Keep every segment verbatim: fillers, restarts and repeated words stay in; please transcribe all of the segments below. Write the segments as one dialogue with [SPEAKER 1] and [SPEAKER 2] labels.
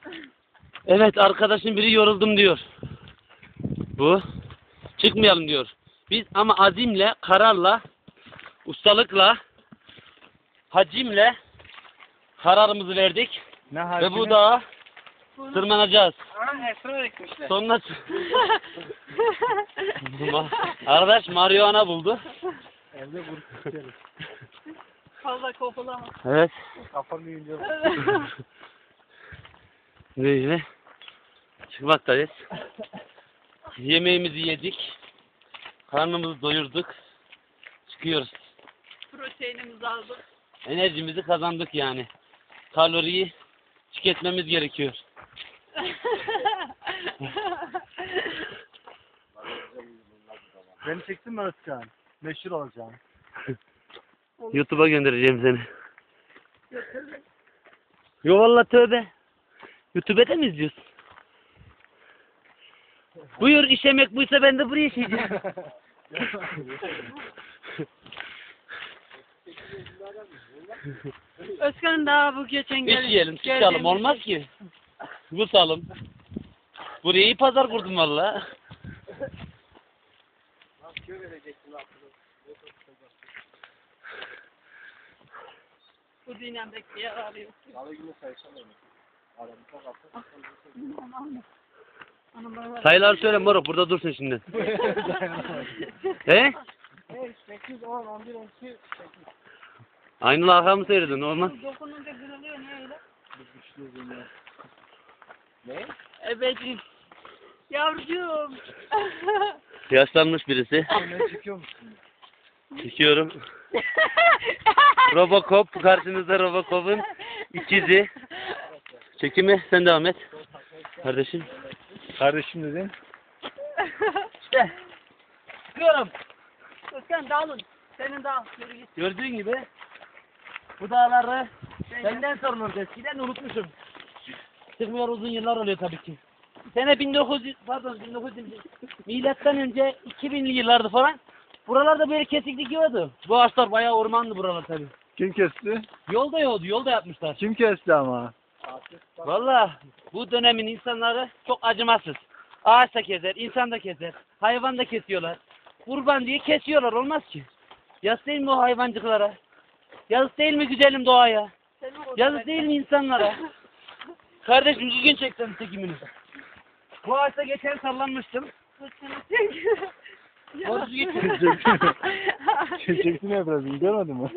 [SPEAKER 1] Evet, arkadaşın biri yoruldum diyor. Bu. Çıkmayalım diyor. Biz ama azimle, kararla, ustalıkla, hacimle kararımızı verdik.
[SPEAKER 2] Ne
[SPEAKER 1] Ve bu dağa
[SPEAKER 3] Bunu...
[SPEAKER 1] tırmanacağız.
[SPEAKER 2] Aa, esrar ekmişler.
[SPEAKER 1] Sonra... Arkadaş marihuana buldu.
[SPEAKER 2] Evde grup tutuyoruz.
[SPEAKER 3] Fazla kopulama.
[SPEAKER 1] Evet.
[SPEAKER 2] Kafanı yiyince.
[SPEAKER 1] Böyle çıkmaktayız. Yemeğimizi yedik. Karnımızı doyurduk. Çıkıyoruz.
[SPEAKER 3] Proteinimizi aldık.
[SPEAKER 1] Enerjimizi kazandık yani. Kaloriyi tüketmemiz gerekiyor.
[SPEAKER 2] Beni çektin mi Özkan? Meşhur olacağım.
[SPEAKER 1] YouTube'a göndereceğim seni. Yo valla tövbe. YouTube'da mi izliyorsun? Buyur, işemek buysa ben de buraya işeyeceğim.
[SPEAKER 3] Özkan daha bu geçen gel.
[SPEAKER 1] İşeyelim, çıkalım, olmaz ki. Kusalım. Buraya iyi pazar kurdum valla.
[SPEAKER 3] Bu dinamik yer arıyor.
[SPEAKER 1] Sayılar söyle moruk, burada dursun şimdi. He?
[SPEAKER 2] sekiz, on, on bir, on iki, sekiz.
[SPEAKER 1] Aynı arkamı seyredin, olmaz.
[SPEAKER 3] Dokununca kırılıyor ne öyle?
[SPEAKER 2] Ne?
[SPEAKER 3] Ebeciğim. Yavrucuğum.
[SPEAKER 1] Yaşlanmış birisi.
[SPEAKER 2] Ne çekiyor musun?
[SPEAKER 1] Çekiyorum. Robocop, karşınızda Robocop'un ikizi. Çekimi sen devam et. Kardeşim.
[SPEAKER 2] Kardeşim dedin.
[SPEAKER 1] İşte. Çıkıyorum.
[SPEAKER 3] Özkan dağılın. Senin dağıl. Yürü git.
[SPEAKER 1] Gördüğün gibi bu dağları benden sorulur. Eskiden unutmuşum. Çıkmıyor, uzun yıllar oluyor tabii ki. Sene bin dokuz yüz pardon bin dokuz yüz milattan önce iki binli yıllardı falan. Buralarda böyle kesiklik yoktu. Bu ağaçlar bayağı ormandı buralar tabii.
[SPEAKER 2] Kim kesti?
[SPEAKER 1] Yolda yoktu, yolda yapmışlar.
[SPEAKER 2] Kim kesti ama?
[SPEAKER 1] Vallahi bu dönemin insanları çok acımasız. Ağaç da keser, insan da keser, hayvan da kesiyorlar. Kurban diye kesiyorlar, olmaz ki. Yazık değil mi o hayvancıklara? Yazık değil mi güzelim doğaya? Yazık değil mi insanlara? Kardeşim düzgün çeksen çekimini. Bu ağaçta geçen sallanmıştım. Borusu geçiyor.
[SPEAKER 2] Çekti ne biraz görmedin mi?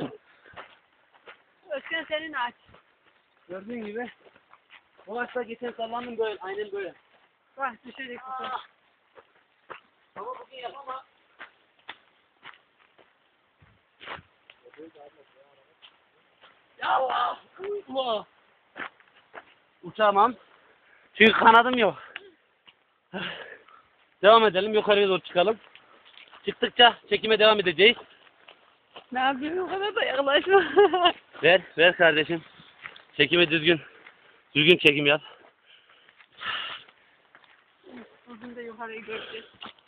[SPEAKER 3] Özkan senin aç.
[SPEAKER 1] Gördüğün gibi bu ağaçta geçen sallandım böyle, aynen böyle.
[SPEAKER 3] Bak düşecek bu.
[SPEAKER 1] Ama bugün yapamam. Ya Allah! Allah! Uçamam. Çünkü kanadım yok. Devam edelim, yukarıya doğru çıkalım. Çıktıkça çekime devam edeceğiz.
[SPEAKER 3] Ne yapayım o kadar da yaklaşma.
[SPEAKER 1] Ver, ver kardeşim. Çekime düzgün. Düzgün çekim yap.
[SPEAKER 3] Bugün de yukarıyı göreceğiz.